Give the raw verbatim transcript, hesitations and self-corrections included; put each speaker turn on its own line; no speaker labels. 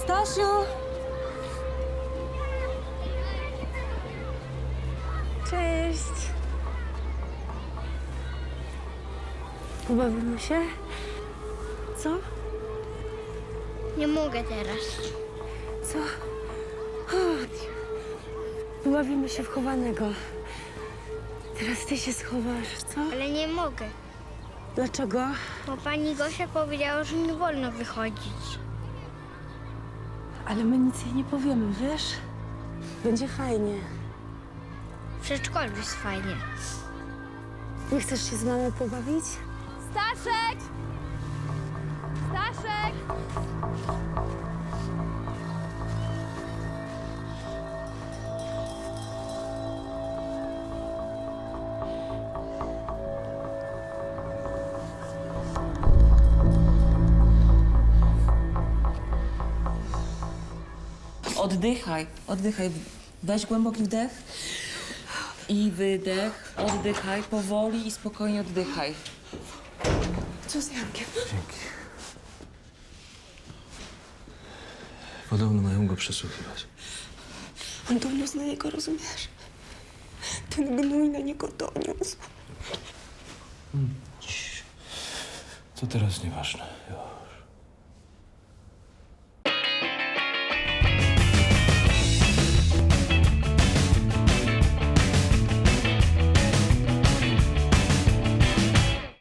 Stasiu! Cześć! Pobawimy się? Co?
Nie mogę teraz.
Co? Chodź. Pobawimy się w chowanego. Teraz ty się schowasz, co?
Ale nie mogę,
Dlaczego?
bo pani Gosia powiedziała, że nie wolno wychodzić.
Ale my nic jej nie powiemy, wiesz? Będzie fajnie.
W przedszkolu jest fajnie.
Nie chcesz się z mamą pobawić?
Staszek! Staszek!
Oddychaj, oddychaj. Weź głęboki wdech i wydech. Oddychaj powoli i spokojnie oddychaj.
Co z Jankiem?
Dzięki. Podobno mają go przesłuchiwać.
On doniósł na niego, rozumiesz? Ten gnój na niego doniósł.
To teraz nieważne. Jo.